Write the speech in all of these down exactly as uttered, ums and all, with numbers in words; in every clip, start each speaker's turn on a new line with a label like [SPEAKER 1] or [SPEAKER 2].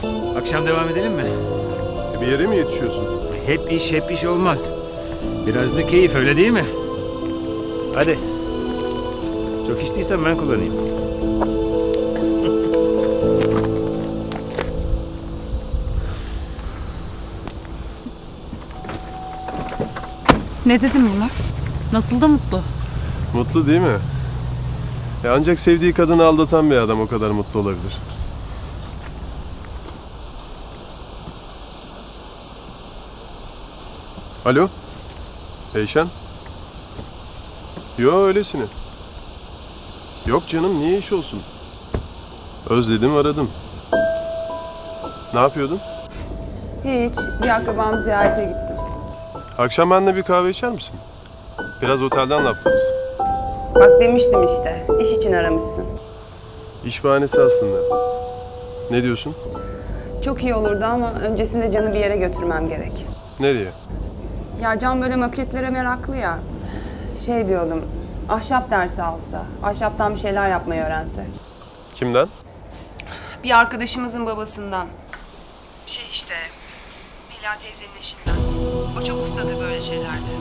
[SPEAKER 1] Akşam devam edelim mi?
[SPEAKER 2] E, bir yere mi yetişiyorsun?
[SPEAKER 1] Hep iş hep iş olmaz. Biraz da keyif, öyle değil mi? Hadi. Çok içtiysen ben kullanayım.
[SPEAKER 3] Ne dedim bunlar? Nasıl da mutlu.
[SPEAKER 2] Mutlu değil mi? E, ancak sevdiği kadını aldatan bir adam o kadar mutlu olabilir. Alo? Eyşan? Yo, öylesine. Yok canım, niye iş olsun? Özledim, aradım. Ne yapıyordun?
[SPEAKER 4] Hiç. Bir akrabamı ziyarete gittim.
[SPEAKER 2] Akşam benimle bir kahve içer misin? Biraz otelden laflarız.
[SPEAKER 4] Bak demiştim işte. İş için aramışsın.
[SPEAKER 2] İş bahanesi aslında. Ne diyorsun?
[SPEAKER 4] Çok iyi olurdu ama öncesinde Can'ı bir yere götürmem gerek.
[SPEAKER 2] Nereye?
[SPEAKER 4] Ya Can böyle maketlere meraklı ya. Şey diyordum. Ahşap dersi alsa. Ahşaptan bir şeyler yapmayı öğrense.
[SPEAKER 2] Kimden?
[SPEAKER 4] Bir arkadaşımızın babasından. Şey işte. Mela teyzenin eşinden. O çok ustadır böyle şeylerde.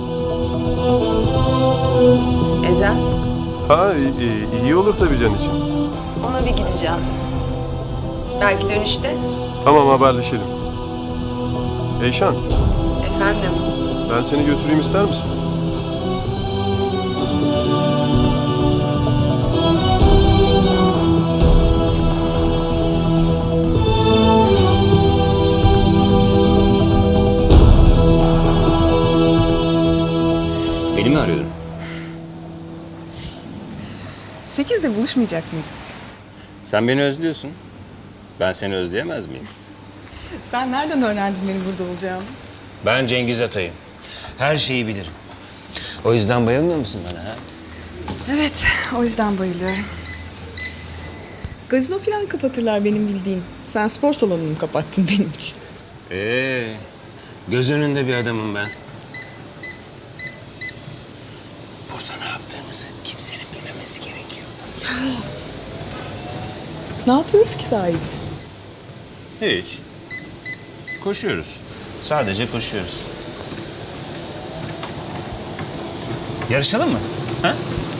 [SPEAKER 4] Ezel.
[SPEAKER 2] Ha, iyi, iyi olur tabii Can için.
[SPEAKER 4] Ona bir gideceğim. Belki dönüşte.
[SPEAKER 2] Tamam, haberleşelim. Eyşan,
[SPEAKER 4] Efendim.
[SPEAKER 2] ben seni götüreyim, ister misin?
[SPEAKER 1] Beni mi arıyordun?
[SPEAKER 3] Sekizde buluşmayacak mıydık biz?
[SPEAKER 5] Sen beni özlüyorsun. Ben seni özleyemez miyim?
[SPEAKER 3] Sen nereden öğrendin benim burada olacağımı?
[SPEAKER 5] Ben Cengiz Atay'ım. Her şeyi bilirim. O yüzden bayılmıyor musun bana ha?
[SPEAKER 3] Evet, o yüzden bayılıyorum. Gazino falan kapatırlar benim bildiğim. Sen spor salonumu kapattın benim için.
[SPEAKER 5] Ee, göz önünde bir adamım ben. Burada ne yaptığımızı kimsenin bilmemesi gerekiyor.
[SPEAKER 3] Ne yapıyoruz ki sahibiz?
[SPEAKER 5] Hiç. Koşuyoruz. Sadece koşuyoruz. Yarışalım mı? Ha?